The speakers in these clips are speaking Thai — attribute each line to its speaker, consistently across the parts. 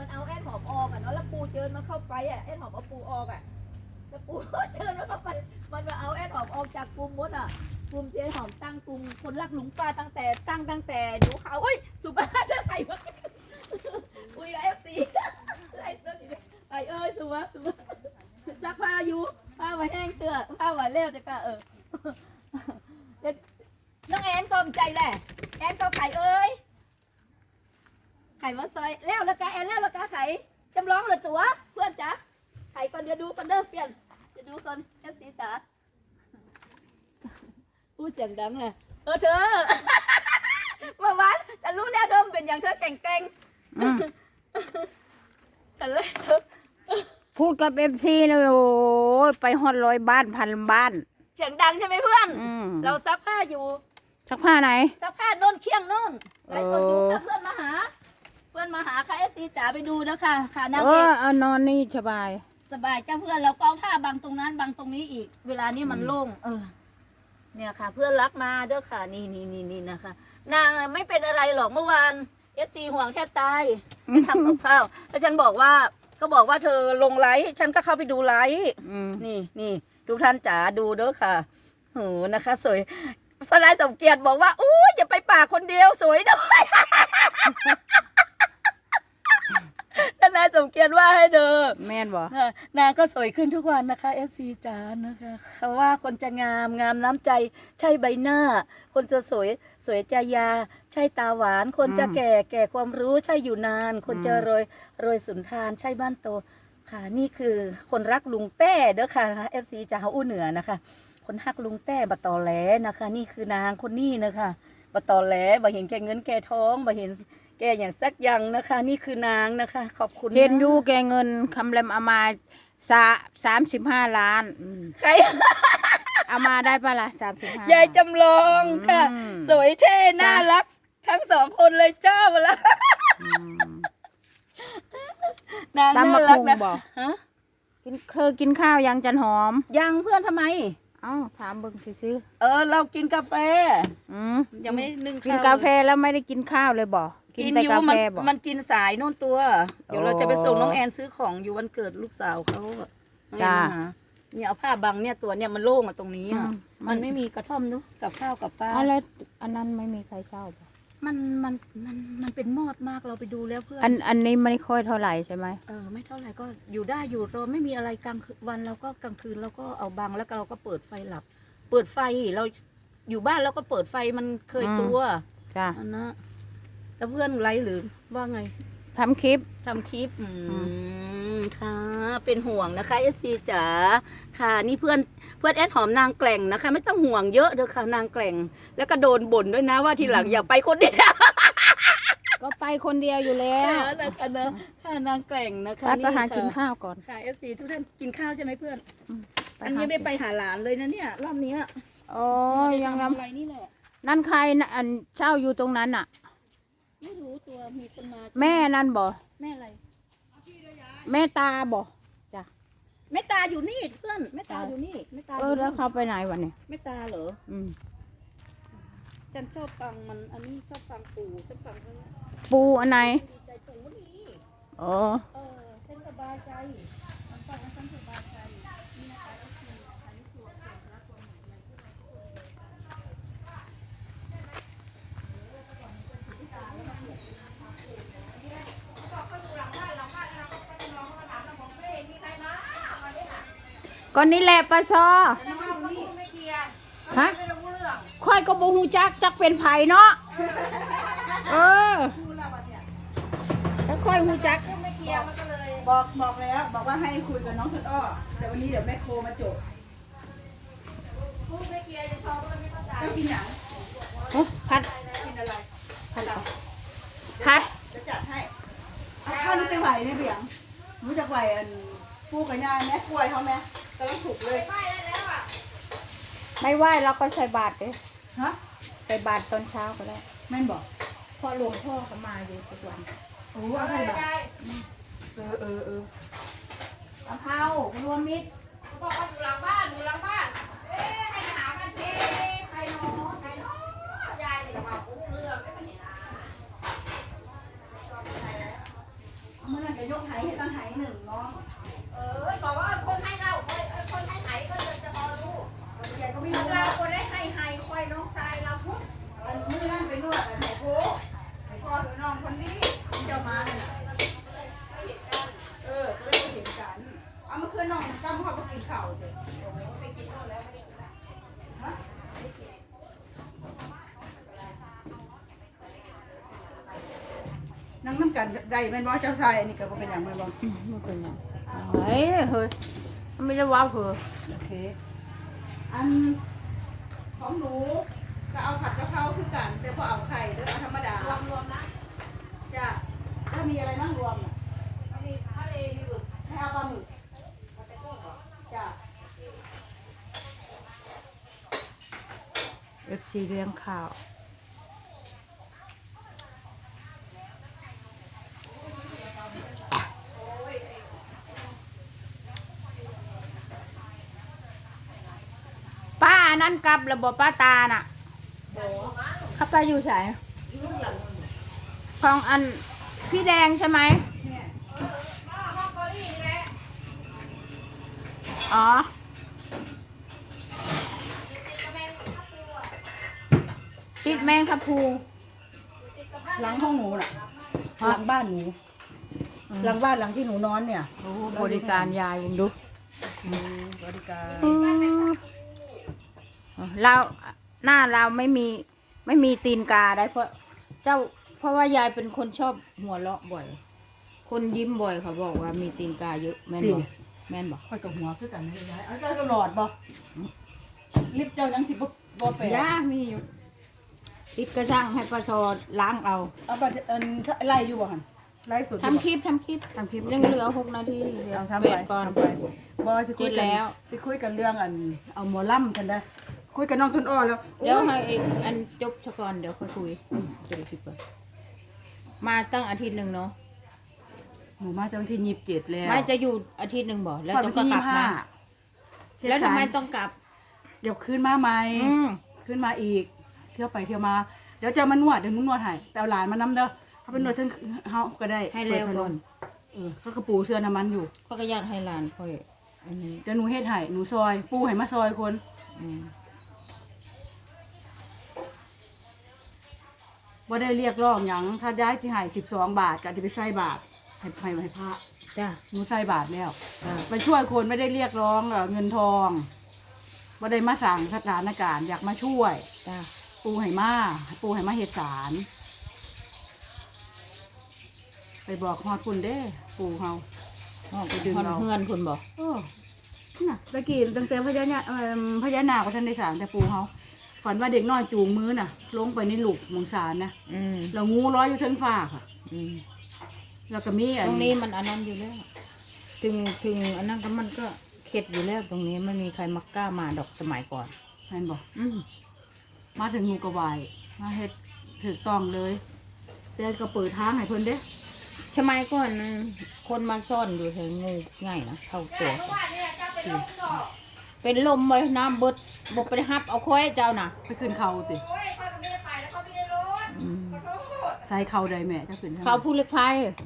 Speaker 1: มันเอาแอนหอมออกอ่ะเนาะแล้วปูเจิญมันเข้าไปอ่ะแอนหอมเอาปูออกอ่ะแล้วปูเจิญมันเข้าไปมันมาเอาแอนหอมออกจากกลุ่มมดอ่ะกลุ่มเจ๊หอมตั้งกลุ่มคนรักหลุงป้าตั้งแต่ดูเขาเฮ้ยสุภาพจะใครวะคุยกับFCไอ้เอ้ยสุภาพซักผ้าอยู่ผ้ามาแห้งเตื้อผ้ามาเร็วจะกะน้องแอนก็ใจแหละแอนก็ไข่เอ้ยไข่มาซอยแล้วกะแอนแล้วกะไข่จำลองเหลือตัวเพื่อนจ๋าไข่ก่อนเดี๋ยวดูกันเด้อเปลี่ยนจะดูก่อนFCจ๋าพูดเสียงดังเลยเธอเมื่อวานฉันรู้แล้วเธอเป็นอย่างเธอแข่งฉันเลย
Speaker 2: พูดกับFCนะโอ้ยไปฮอด100 บ้านพันบ้าน
Speaker 1: เสียงดังใช่ไหมเพื่อนเราซักผ้าอยู่
Speaker 2: ซักผ้าไหน
Speaker 1: ซักผ้าโน่นเคียงโน่นไลฟ์สดอยู่ค่ะเพื่อนมาหาค่ะFCจ๋าไปดูนะคะค่ะนางเอก
Speaker 2: เอานอนนี่สบาย
Speaker 1: จ้าเพื่อนแล้วก็ผ้าบางตรงนั้นบางตรงนี้อีกเวลานี้มันโล่งเนี่ยค่ะเพื่อนรักมาเด้อค่ะนี่นะคะนางไม่เป็นอะไรหรอกเมื่อวานFCห่วงแทบตายไม่ทำกับข้าวแล้วฉันบอกว่าเธอลงไลฟ์ฉันก็เข้าไปดูไลฟ์นี่ทุกท่านจ๋าดูเด้อค่ะโหนะคะสวยสลายสมเกียรติบอกว่าอู้อย่าไปป่าคนเดียวสวยด้วยนายสมเกียรติว่าให้เด้อ
Speaker 2: แม่นบ่
Speaker 1: นางก็สวยขึ้นทุกวันนะคะFCจ๋านะคะเขาว่าคนจะงามน้ำใจใช่ใบหน้าคนจะสวยใจยาใช่ตาหวานคนจะแก่ความรู้ใช่อยู่นานคนจะรวยสุนทานใช่บ้านโตค่ะนี่คือคนรักลุงแต้เด้อค่ะ FC จ๋าอู้เหนือนะคะคนฮักลุงแต้บะตอแหลนะคะนี่คือนางคนนี้นะคะบะตอแหลบะเห็นแก่เงินแก่ทองบะเห็นแกอย่างสักอย่างนะคะนี่คือนางนะคะขอบคุณ
Speaker 2: เห็นอยู่แกเงินคำแรมเอามา35 ล้าน
Speaker 1: ใคร
Speaker 2: เอามาได้ปะล่ะ35
Speaker 1: ยายจำลองค่ะสวยเท่น่ารักทั้ง2คนเลยเจ้าละนางน่ารักนะ
Speaker 2: เคยกินข้าวยังจันหอม
Speaker 1: ยังเพื่อนทำไม
Speaker 2: ถามเบิ่งซื้อ
Speaker 1: เรากินกาแฟยังไม่นึ่ง
Speaker 2: กินกาแฟแล้วไม่ได้กินข้าวเลยบ่
Speaker 1: กินแต่กาแฟบ่มันกินสายโน่นตัวเดี๋ยวเราจะไปส่งน้องแอนซื้อของอยู่วันเกิดลูกสาวเขา
Speaker 2: จ้า
Speaker 1: เนี่ยเอาผ้าบังเนี่ยตัวเนี่ยมันโล่งตรงนี้มันไม่มีกระท่อมนู้กับข้าวกับปลา
Speaker 2: อะไรอันนั้นไม่มีใครเช่าป่ะ
Speaker 1: มันเป็นมอดมากเราไปดูแล้วเพื่อน
Speaker 2: อันนี้ไม่ค่อยเท่าไหร่ใช่ไหม
Speaker 1: ไม่เท่าไหร่ก็อยู่ได้อยู่เราไม่มีอะไรกลางวันเราก็กลางคืนเราก็เอาบังแล้วเราก็เปิดไฟหลับเปิดไฟเราอยู่บ้านเราก็เปิดไฟมันเคยตัว
Speaker 2: จ้า
Speaker 1: นะแล้วเพื่อนไลฟ์หรือว่าไง
Speaker 2: ทำคลิป
Speaker 1: ค่ะเป็นห่วงนะคะFCจ๋าค่ะนี่เพื่อนแอดหอมนางแกล่งนะคะไม่ต้องห่วงเยอะเด้อค่ะนางแกล่งแล้วก็โดนบ่นด้วยนะว่าทีหลังอย่าไปคนเดียว
Speaker 2: ก็ไปคนเดียวอยู่แล้ว
Speaker 1: นะคะเนอะค่ะนางแกล่งนะคะ
Speaker 2: นี่ค่ะกินข้าวก่อน
Speaker 1: ค่ะFCทุกท่านกินข้าวใช่ไหมเพื่อนอันนี้ไม่ไปหาหลานเลยนะเนี่ยรอบนี้
Speaker 2: ยัง
Speaker 1: ทำอะไรนี่แหละ
Speaker 2: นั่นใครอันเช่าอยู่ตรงนั้นอ่ะ
Speaker 1: ไม่รู้ตัวมีคนมา
Speaker 2: แม่นั่นบ่
Speaker 1: แม่อะไร
Speaker 2: แม่ตาบ่จ้ะ
Speaker 1: แม่ตาอยู่นี่เพื่อนแม่ตาอยู่นี่แม่ตา
Speaker 2: แล้วเขาไปไหนวะเนี่ย
Speaker 1: แม่ตาเหรอฉันชอบฟังมันอันนี้ชอบฟังปู่ฉันฟัง
Speaker 2: ปู่อันไหน
Speaker 1: ดีใจตรงนี้
Speaker 2: ฉัน
Speaker 1: สบายใจมันฟังแล้วฉันสบายใจนี่นะคะอันนี้ตัวรักตัวหนึ่ง
Speaker 2: ก็นี่แหละปะซอฮะค่อยก็บ่ฮู้จักเป็นไผเนาะแล้วค่อยฮู้จัก
Speaker 3: บอกแล้วบอกว่าให้คุยกับน้องต้นอ้อแต่วันนี้เดี๋ยวแม่โคมาจบ
Speaker 1: ไม่เกียร์จะชอบก็ไม่เข้าใจ
Speaker 3: ก็กินหนัง
Speaker 2: ผัด
Speaker 3: กินอะไร
Speaker 2: ผัด
Speaker 3: จะจัดให้ถ้ารู้ไปไหวเนี่ยเบียงรู้จักไหวปูกับยาแม่กล้วยเขาไหมกำลังถูกเลย
Speaker 2: ไม่ไหวเราก็ใส่บาตรเลย
Speaker 3: ฮะ
Speaker 2: ใส่บาตรตอนเช้าก็ได้
Speaker 3: แม่นบอก
Speaker 2: พ่อหลวงพ่อเขามาอยู่ทุกวัน
Speaker 3: โอ้เอาไปแบบ
Speaker 2: กะเพรารวมมิตร
Speaker 1: บอกว่าอยู่หลังบ้านให้ไปหากันทีใครน้อยายเนี่ยมาพูดเรื่องไม่เป็นไร
Speaker 3: เมื่อไหร่นั้นจะยกไหให้ตั้งไหหนึ่งน้อง
Speaker 2: บอกว่าคนให้เราคนให้ไหนก็จะพอรู้
Speaker 3: แกก็ไม่รู้
Speaker 2: เราคนได้ให้คอยน้องชายเราพุทธ
Speaker 3: อันชื่อนั่นเป็นนวดอันไหนโค้ไอ้พ่อน้องคนนี้เจ้ามาเนี่ยก็เลยเห็นกันเอามาคืนน้องจำเขาไปกินข้าวเลยไปกินข้าวแล้วไม่ได้กินฮะนั่งน้ำกันได้แม่นบ่เจ้าชายอันนี้ก็บ่เป็นอย่างแม่นบ่
Speaker 2: ไม่เป็นไรเฮ้ยไม่ได้ว้าวเหรอ
Speaker 3: โอเคอันของหนูก็เอาผัดกะเพราคือกันแต่พอเอาไข่เด้อเอาธรรมดารวมนะจ้ะถ้ามีอะไรบ้างรวมน่ะมีทะเลมีหมึกให้เอาปลาหมึกจ้ะ
Speaker 2: FC เลี้ยงข้าวป้านั่นกลับระบบป้าตาน่ะเข้าไปอยู่ไหนของอันพี่แดงใช่ไหมอ๋อติดแมงทับพลู
Speaker 3: หลังห้องหนูน่ะหลังบ้านหนูหลังบ้านหลังที่หนูนอนเนี่ย
Speaker 2: โอ้โหบริการยายยังดู
Speaker 3: บริการ
Speaker 2: เราหน้าเราไม่มีตีนกาได้เพราะว่ายายเป็นคนชอบหัวเราะบ่อย คนยิ้มบ่อยเขาบอกว่ามีตีนกาเยอะแม่นบอกแม่นบอก
Speaker 3: ค่อยกับหัวคือกันไม่ได้เอาเจ้าก็หลอดบ่ลิฟต์เจ้ายังสิบ่แปล
Speaker 2: ย่ามีอยู่ติดกระช่างให้ประชอล้างเอา
Speaker 3: เอาไปไล่อยู่บ่หั่นไล่สุด
Speaker 2: ทำคลิปยังเหลือ6 นาทีเดี๋ยว
Speaker 3: เอาทำ
Speaker 2: เบ
Speaker 3: ไป
Speaker 2: รกก่อน
Speaker 3: ทำไปบ่จะคุย
Speaker 2: เสร็จ
Speaker 3: กั
Speaker 2: แล้
Speaker 3: น
Speaker 2: ว
Speaker 3: ไปคุยกันเรื่องเอาหมอล่ำกันได้คุยกับน้องต้นอ้อแล้ว
Speaker 2: เดี๋ยวให้อันจบซะก่อนเดี๋ยวค่อยคุยจะได้คลิปก่อนมาตั้งอาทิตย์หนึ่งเนาะ
Speaker 3: หนูมาตั้งที่27แล้ว
Speaker 2: ไม่จะอยู่อาทิตย์หนึ่งบ่แล้ว
Speaker 3: พอ
Speaker 2: จะ
Speaker 3: วัน
Speaker 2: ก็
Speaker 3: ที่
Speaker 2: กลับมา
Speaker 3: 25
Speaker 2: แล้วทำไมต้องกลับ
Speaker 3: เดี๋ยวขึ้นมาใหม่
Speaker 2: อืม
Speaker 3: ขึ้นมาอีก เที่ยวไปเที่ยวมาเดี๋ยวจะมานวดเดี๋ยวหนุ่นวดให้ไปเอาหลานมานำเด้อเขาเป็นนวดทั้งเฮาก็ได้
Speaker 2: ให้เร็วก่อน
Speaker 3: เขากระปูเสื้อน้ำมันอยู่
Speaker 2: เขาก็อยากให้หลานค่อยอันนี้
Speaker 3: เดี๋ยวหนูเฮ็ดให้หนูซอยปูให้มาซอยคน
Speaker 2: อืม
Speaker 3: ว่าได้เรียกร้องหยังถ้าย้ายที่ให้12 บาทก็จะไปใส่บาทให้พระ
Speaker 2: จ้า
Speaker 3: หนูใส่บาทแล้ว
Speaker 2: จ้า
Speaker 3: ไปช่วยคนไม่ได้เรียกร้องเงินทองว่าได้มาสั่งสถานการณ์อยากมาช่วย
Speaker 2: จ้า
Speaker 3: ปูให้มาเฮ็ดสารไปบอกฮอดคุณเด้ปูเฮา
Speaker 2: ออกไปดึงเพื่อนคุณบอก
Speaker 3: โอ้น่ะตะกี้ตั้งแต่พญานาคก็ท่านได้สารแต่ปูเฮาฝันว่าเด็กน้อยจูงมือน่ะ ลงไปในหลุมมงสารนะ
Speaker 2: อืม
Speaker 3: แล้วงูร้อยอยู่เทั้งฟ้าค่ะ
Speaker 2: อืม
Speaker 3: แล้วก็มี
Speaker 2: ตรงนี้มันอันนั้นอยู่แล้วถึงอันนั้นก็มันก็เข็ดอยู่แล้วตรงนี้ไม่มีใครมักกล้ามาดอกสมัยก่อน
Speaker 3: แม่นบอก
Speaker 2: อืม
Speaker 3: มาถึงงูกระวายมาเฮ็ดถูกต้องเลยแต่ก็เปิดทางให้เพิ่นเด้
Speaker 2: สมัยก่อนคนมาซ่อนอยู่แถวงูง่ายนะเข้าตัวเป็นลมไว้น้ำเบิดบกไปฮับเอาค้อยเจ้าน่ะ
Speaker 3: ไปขึ้นเขาติ
Speaker 2: อืม
Speaker 3: ใส่เขาใดแม่จะขึ้นทง
Speaker 2: เขาผู้เล็กไพ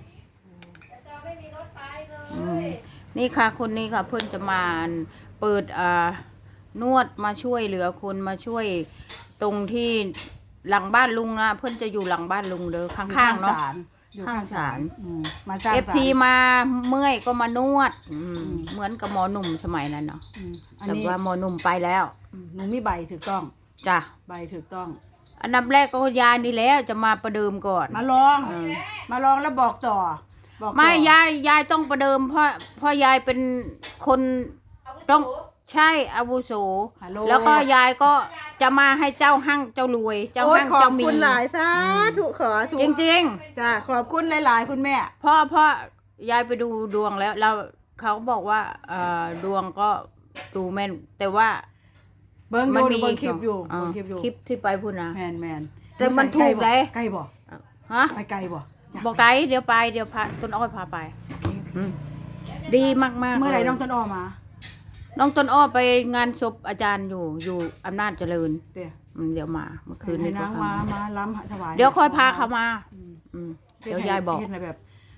Speaker 2: อืมนี่ค่ะคนนี้ค่ะ เพื่อนจะมาเปิดนวดมาช่วยเหลือคนมาช่วยตรงที่หลังบ้านลุงนะเพื่อนจะอยู่หลังบ้านลุงเด้อข้างๆเนาะ
Speaker 3: อยู่
Speaker 2: ข้างศาล
Speaker 3: มาสร้าง
Speaker 2: เอฟ
Speaker 3: ศาล
Speaker 2: ทีมาเมื่อยก็มานวด
Speaker 3: ม
Speaker 2: เหมือนกับหมอหนุ่มสมัยนั้นเนาะ
Speaker 3: อัน
Speaker 2: แต่
Speaker 3: นี้
Speaker 2: ว่าหมอหนุ่มไปแล้ว
Speaker 3: หนูมีใบถูกต้อง
Speaker 2: จ้ะ
Speaker 3: ใบถูกต้อง
Speaker 2: อันดับแรกก็ยายนี่แล้วจะมาประเดิมก่อน
Speaker 3: มาลอง
Speaker 2: เออ
Speaker 3: มาลองแล้วบอกต่อบอกต่อ
Speaker 2: ไม่ยายต้องประเดิมเพราะยายเป็นคนต้องใช่อาวุโส
Speaker 3: ฮัลโหล
Speaker 2: แล้วก็ยายก็จะมาให้เจ้าหั่งเจ้ารวย เจ้า
Speaker 3: โอ้ย
Speaker 2: หั่ง
Speaker 3: ขอ
Speaker 2: เจ้า
Speaker 3: บ
Speaker 2: มี
Speaker 3: คุณหลายสาธุขอถูก
Speaker 2: จริง
Speaker 3: จ้าขอบคุณหลายๆคุณแม่
Speaker 2: ๆเพราะยายไปดูดวงแล้วเขาบอกว่าดวงก็ดูแม่น แต่ว่า
Speaker 3: เบิ้ง
Speaker 2: มั
Speaker 3: ดู
Speaker 2: มี
Speaker 3: เบิ้งคลิปอยู่
Speaker 2: เออ
Speaker 3: เบิ้งคลิปอยู่
Speaker 2: คลิปที่ไปพูดนะ
Speaker 3: แมน
Speaker 2: แต่มันถูกเลย
Speaker 3: ไกลบ่
Speaker 2: ฮะ
Speaker 3: ไปไกลบ่ยา
Speaker 2: บอกไกด์เดี๋ยวพาต้นอ้อยพาไปอืมดีมากๆ
Speaker 3: เมื่อไหร่
Speaker 2: ลย
Speaker 3: น้องต้นอ้อมา
Speaker 2: น้องต้นอ้อไปงานศพอาจารย์อยู่อำนาจเจริญ
Speaker 3: เดี๋ยว
Speaker 2: เดี๋ยวมาเมื่อคืน
Speaker 3: ให้
Speaker 2: นี้
Speaker 3: นาง
Speaker 2: ก็
Speaker 3: มา
Speaker 2: มา
Speaker 3: ล้ำถวาย
Speaker 2: เดี๋ยวค่อยพาเขามา
Speaker 3: อืม
Speaker 2: อืมเดี๋ยวยายบอก
Speaker 3: เฮ็ดอะไรแบบ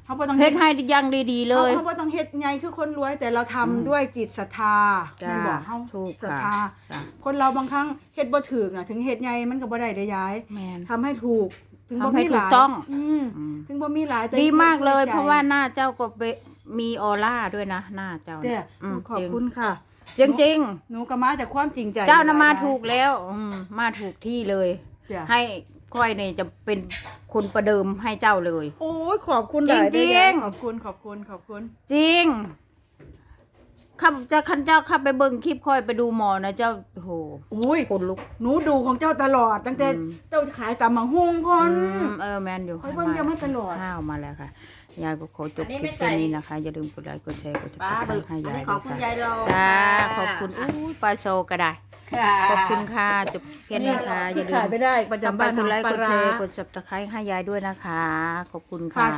Speaker 3: เขาบ่ต้อง
Speaker 2: เฮ็ดให้อยังดีๆเลย
Speaker 3: เขาบ่ต้องเฮ็ดไงคือคนรวยแต่เราทำด้วยจิตศรัทธา
Speaker 2: จ้า
Speaker 3: แม่นบอกเฮา
Speaker 2: ถูก
Speaker 3: ศรัท
Speaker 2: ค่ะ
Speaker 3: ธา
Speaker 2: จ้ะ
Speaker 3: คนเราบางครั้งเฮ็ดบ่ถูกน่ะถึงเฮ็ดไงมันก็บ่ได้ย้าย
Speaker 2: แม่น
Speaker 3: ทำให้ถูกถึงบ่
Speaker 2: ทำให้
Speaker 3: มี
Speaker 2: ถู
Speaker 3: ห
Speaker 2: ก
Speaker 3: ลาย
Speaker 2: ต้อง
Speaker 3: อืม
Speaker 2: อืม
Speaker 3: ถึงบ่มีหลายแต่
Speaker 2: ดีมากเลย
Speaker 3: ใจ
Speaker 2: เพราะว่าหน้าเจ้าก็มีออร่าด้วยนะหน้าเจ้า
Speaker 3: แต่
Speaker 2: เนี่ยม
Speaker 3: ขอบคุณค่ะ
Speaker 2: จริงจริง
Speaker 3: หนูก็มาจากความจริงใจ
Speaker 2: ๆเจ้านะมาถูกแล้วมาถูกที่เลย
Speaker 3: จ้ะ
Speaker 2: ให้ค่อยเนี่ยจะเป็นคนประเดิมให้เจ้าเลย
Speaker 3: โอ้ยขอบคุณ
Speaker 2: จริง
Speaker 3: หลาย
Speaker 2: จริง
Speaker 3: เด้อขอบคุณ
Speaker 2: จริงข้าจะคันเจ้าข้าไปเบิ่งคลิปค่อยไปดูหมอนะเจ้าโอ้โห
Speaker 3: อุ้ย
Speaker 2: คนลุก
Speaker 3: หนูดูของเจ้าตลอดตั้งแต่
Speaker 2: อืม
Speaker 3: เจ้าขายตำมังหุงพอน
Speaker 2: แมนอยู่
Speaker 3: ค่อยเบิ่งเจ้ามาตลอด
Speaker 2: ข้าวมาแล้วค่ะยายก็ขอจบ
Speaker 4: อันนี้
Speaker 2: คลิป
Speaker 4: ไม่ใส่
Speaker 2: แค่นี้นะคะ อย่าลืมกดไลค์กดแชร์กดซับส
Speaker 4: ปลา
Speaker 2: ไคร
Speaker 4: บึก
Speaker 2: ต์ให้
Speaker 4: อัน
Speaker 2: ยาย
Speaker 4: นี้ของคุณยายรอ
Speaker 2: จ้าขอบคุณอู้ปลาโซก็ได้ ขอบคุณค่ะจบแค่นี้ค่ะอย่า
Speaker 3: ที่
Speaker 2: ลื
Speaker 3: ขาย
Speaker 2: ม
Speaker 3: ไม่ได้ประจำบ้าน
Speaker 2: กดไลค์
Speaker 3: ป
Speaker 2: ก
Speaker 3: ลา
Speaker 2: ดแช
Speaker 3: ร้า
Speaker 2: ร์กดซับสไครต์ให้ยายด้วยนะคะ ขอบคุณ
Speaker 3: ฝา
Speaker 2: ค่ะ
Speaker 3: ก